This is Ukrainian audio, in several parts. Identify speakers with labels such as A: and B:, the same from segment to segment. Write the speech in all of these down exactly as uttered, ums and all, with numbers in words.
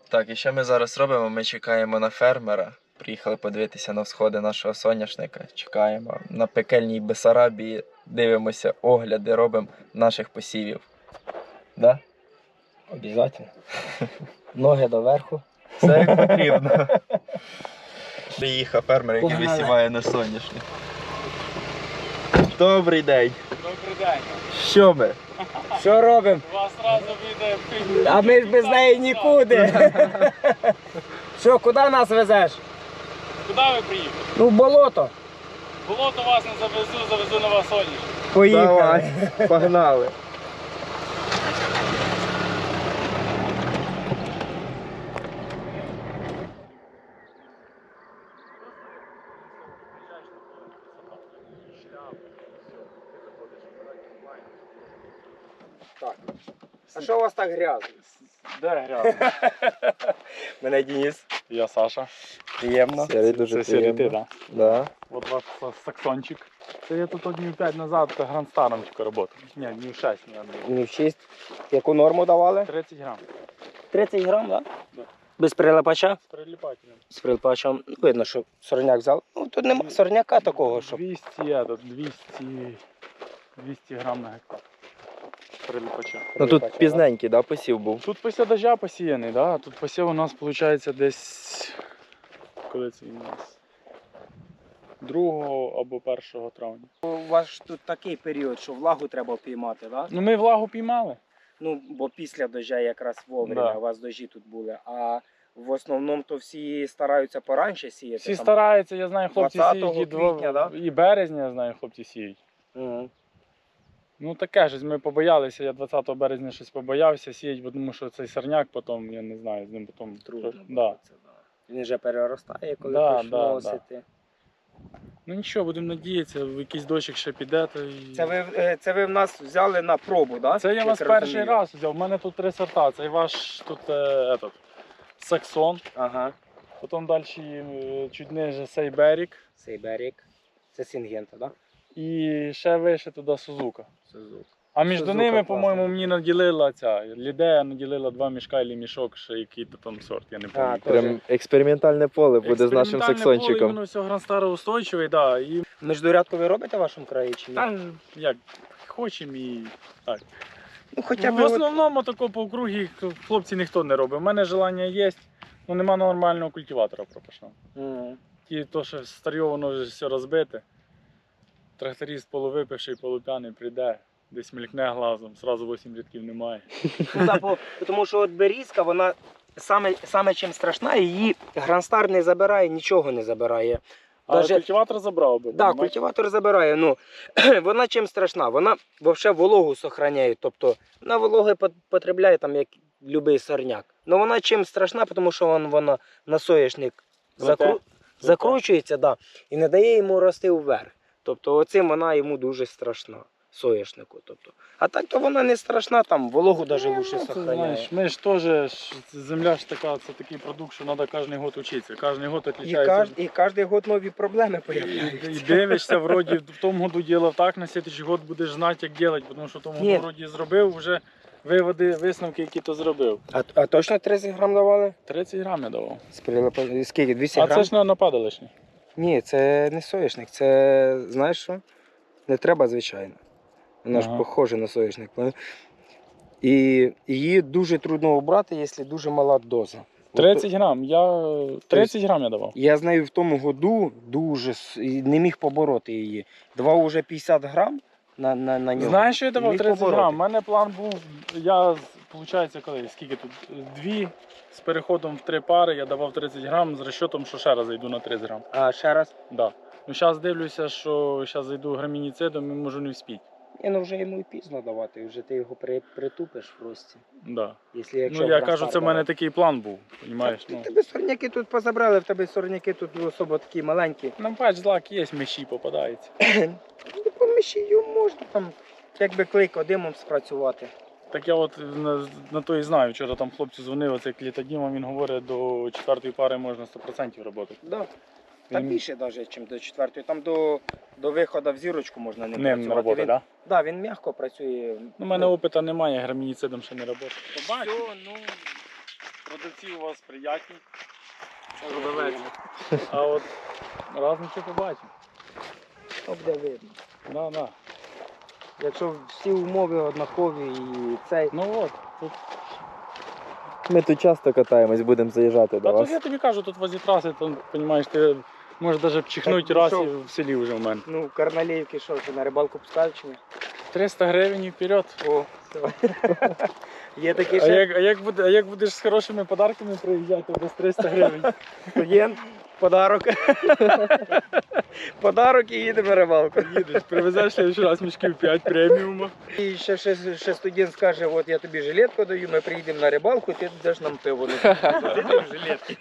A: Так, і що ми зараз робимо? Ми чекаємо на фермера. Приїхали подивитися на всходи нашого соняшника. Чекаємо на пекельній Бессарабії, дивимося огляди, робимо наших посівів. Да?
B: Обязательно. Ноги доверху.
A: Все як потрібно. Приїхав фермер, який
B: Погнали.
A: висіває на соняшник. Добрий день.
C: Добрий день.
A: Що ми?
B: Що робимо?
C: У вас одразу вийде.
B: А ми ж без неї нікуди. Що, куди нас везеш?
C: Куди ви приїхали?
B: Ну, в болото.
C: Болото вас не завезу, завезу на вас соняшник.
B: Поїхали.
A: Давай, погнали.
B: Так. А що у вас так грязно?
C: Де грязно?
B: Мене Денис.
C: Я Саша.
B: Приємно.
A: Сергій, дуже
C: Це Сергій, ти,
A: приємно.
C: так?
A: Да.
C: От ваш саксончик. Це я тут днів п'ять назад грандстаром тільки працював. Ні, днів шість, ні,
B: Не в шість. Яку норму давали?
C: тридцять грам.
B: тридцять грам, так?
C: Да.
B: Без прилипача?
C: З приліпателем.
B: З прилипачем. Видно, що сорняк взяв. Ну, тут нема сорняка такого, щоб...
C: двісті, это, двісті, двісті грам на гектар. Приліпача.
A: Ну тут пізненький, да, посів був.
C: Тут після дождя посіяний, да? Тут посів у нас виходить десь, коли це він у нас? другого або першого травня.
B: У вас ж тут такий період, що влагу треба піймати, так?
C: Ну ми влагу піймали.
B: Ну, бо після дождя якраз вовремя,
C: Да.
B: у вас дожді тут були. А в основному то всі стараються поранше сіяти.
C: Всі
B: там.
C: стараються, я знаю, хлопці
B: двадцятого
C: сіють і,
B: квітня,
C: дво...
B: да?
C: і березня, я знаю, хлопці сіють.
B: Мгм.
C: Ну таке ж, ми побоялися, я двадцятого березня щось побоявся сіяти, бо тому що цей сорняк потім, я не знаю, з ним потім...
B: Трудно
C: Да.
B: було це, да. Він вже переростає, коли
C: Да,
B: почне
C: да,
B: носити.
C: Ну нічого, будемо надіятися, в якийсь дощик ще піде. То і...
B: Це ви, е, це ви в нас взяли на пробу, так?
C: Це я вас перший раз взяв. У мене тут три сорта. Це ваш тут е, этот, Саксон,
B: Ага.
C: потім далі е, чуть ниже Сейберік
B: Сейберік. Це Сінгента, так?
C: і ще вище туди Сузука.
B: Сузук.
C: А між
B: Сузука
C: ними,
B: класна.
C: по-моєму, мені наділила ця Лідея наділила два мішка і мішок, ще який-то там сорт, я не пам'ятаю.
B: Тоже.
A: Прям експериментальне поле буде з нашим
C: Експериментальне
A: саксончиком.
C: поле, воно все гранстаро устойчивий, да, і
B: Міждурядку ви робите в вашому краї чи ні?
C: та, як хочемо і так.
B: Ну, хоча б
C: В основному тако по округі хлопці ніхто не робить. У мене желання є, але нема нормального культиватора пропашного.
B: Мгм.
C: І то, що старьо, воно вже все розбите. Тракторист полувипивший, полуп'яний прийде, десь мелькне глазом, зразу вісім рядків немає.
B: Ну, да, бо, тому що от берізка, вона саме, саме чим страшна, її гранстар не забирає, нічого не забирає.
C: Але
B: Даже-
C: культиватор забрав би.
B: Так,
C: понімаєш?
B: культиватор забирає. Ну, вона чим страшна? Вона взагалі вологу зберігає. Тобто вона вологи пот- потребляє, там, як будь-який сорняк. Ну вона чим страшна, тому що вон, вона на соняшник закру...
C: Плете.
B: закручується, да, і не дає йому рости вверх. Тобто оцим вона йому дуже страшна. Соняшнику. Тобто. А так то вона не страшна, там вологу навіть
C: Ну,
B: лучше
C: це,
B: зберігає.
C: знаєш, ми ж теж, ж, земля ж така, це такий продукт, що треба кожен год вчитися. Кожен год
B: І,
C: відрізняється.
B: каж... і кожен год нові проблеми
C: І,
B: з'являються.
C: і дивишся, вроді в тому году ділав так, на слідчий год будеш знати, як робити, тому що в тому
B: Ні.
C: году вроді зробив вже виводи, висновки, які то зробив.
B: А, а точно тридцять грам давали?
C: тридцять грам я давав.
B: З прилипа- Скільки? двісті
C: А
B: грам?
C: це ж не нападе лишнє.
B: Ні, це не соняшник, це, знаєш що? Не треба, звичайно. Вона ж
C: Ага.
B: похожа на соняшник. І її дуже трудно обрати, якщо дуже мала доза.
C: тридцять грам, я тридцять грам я давав.
B: Я з нею в тому году дуже с- і не міг побороти її. Давав уже п'ятдесят грам на, на, на нього.
C: Знаєш, що я
B: Не
C: давав
B: міг
C: тридцять
B: побороти.
C: грам? У мене план був, я, виходить, коли, скільки тут, дві з переходом в три пари, я давав тридцять грам з розчотом, що ще раз зайду на тридцять грам.
B: А ще раз?
C: Да. Ну зараз дивлюся, що зараз зайду грамініцидом і можу не вспіти.
B: Ні, ну вже йому і пізно давати, вже ти його при, притупиш просто.
C: Да.
B: Якщо, якщо
C: Ну я
B: грам
C: кажу, це в
B: стартовий.
C: мене такий план був, розумієш?
B: Так,
C: Ну,
B: тебе сорняки тут позабрали, в тебе сорняки тут особо такі маленькі.
C: ну бач, злак є, миші попадається.
B: Ну, по мишію можна там, якби клейко димом спрацювати.
C: Так я от на, на то і знаю, вчора там хлопцю дзвонив, оцей клітодімом, він говорить, до четвертої пари можна сто відсотків працювати.
B: Да. Та
C: Він-
B: більше навіть, ніж до четвертої. Там до, до виходу в зірочку можна не
C: Ним
B: працювати.
C: не робота,
B: він,
C: так?
B: да? Да, він м'яко працює.
C: Ну, у мене опиту немає, грамініцидом ще не працює.
B: Все, ну,
C: продавці у вас приятні. Продавець. А от раз нічого побачимо.
B: Ну, буде видно.
C: Да, да.
B: Якщо всі умови однакові і цей.
C: Ну от, тут.
A: Ми тут часто катаємось, будемо заїжджати до
C: Та тут
A: вас.
C: я тобі кажу, тут возле траси, то, розумієш, ти можеш навіть чихнути
B: Так,
C: раз
B: ну,
C: і в селі вже в мене.
B: Ну, Карналіївки що, вже на рибалку пускають чи ні?
C: триста гривень і вперед.
B: О, все. Є такі
C: А
B: ще
C: як, а, як буде, а як будеш з хорошими подарками приїжджати, то без триста гривень.
B: студент, подарок. Подарок і їдемо на рибалку.
C: Їдеш, привезеш ще раз мішків п'ять преміуму.
B: І ще, ще, ще студент скаже, от я тобі жилетку даю, ми приїдемо на рибалку, ти даш нам пиво. Ну, ти в жилетці.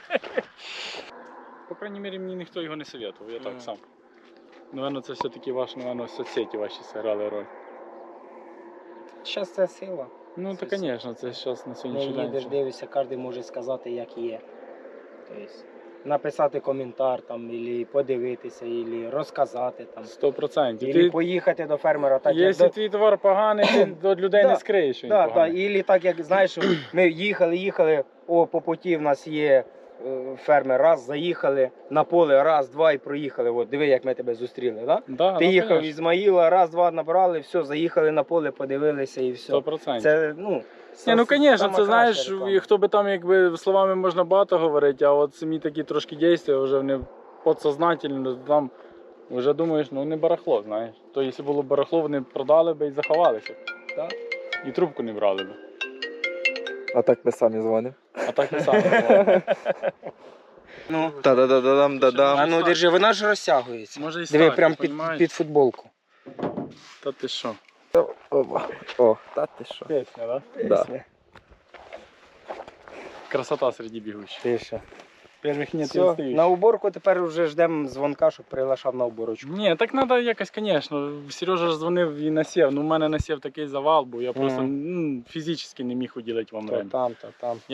C: По крайній мірі, мені ніхто його не советував, я так
B: Мгм.
C: сам. Наверно, це все-таки ваш, наверно, соцсеті ваші зіграли роль.
B: Зараз це сила.
C: Ну,
B: Це
C: то, звісно, це зараз на
B: Не
C: сьогоднішній день.
B: їдеш,
C: це-
B: дивишся, кожен може сказати, як є. Тобто, написати коментар, там, або подивитися, або розказати. Там.
C: Сто процентів.
B: Або
C: Ти,
B: поїхати до фермера, так як
C: якщо
B: до...
C: твій товар поганий, ти до людей
B: Да,
C: не скриєш, що він
B: Да, да,
C: поганий.
B: ілі так, як знаєш, ми їхали, їхали, о, по путі в нас є е, фермер, раз, заїхали на поле, раз, два і проїхали. От, диви, як ми тебе зустріли. Да?
C: Да,
B: Ти
C: ну,
B: їхав
C: конечно,
B: із Ізмаїла, раз, два набрали, все, заїхали на поле, подивилися і все.
C: сто процентів.
B: Це, ну,
C: Ні, ну, звісно,
B: сама
C: це знаєш,
B: краща реклама.
C: і хто би там, якби словами можна багато говорити, а от самі такі трошки дійства вже вони підсознательно там вже думаєш, ну не барахло, знаєш. То якщо було б барахло, вони продали би і заховалися.
B: Так.
C: І трубку не брали б.
A: А так ми самі дзвонимо.
C: А так не саме.
B: Ну,
A: Та-да-да-дам, да-дам.
B: а ну держи, вона ж розтягується.
C: Може і
B: Диви,
C: стати,
B: прям під,
C: понімаєш?
B: під футболку.
C: Та ти що?
A: Опа. О, та ти що?
C: Пісня, да?
A: Да.
C: Красота серед бігучих.
B: Ти що?
C: Перших нет,
B: Все, на уборку тепер вже ждемо дзвонка, щоб приглашав на уборочку.
C: Ні, так треба якось, звісно. Сережа ж дзвонив і насів. Ну, у мене насів такий завал, бо я просто
B: Мгм.
C: ну, фізично не міг уділити вам
B: То
C: время.
B: там, то там.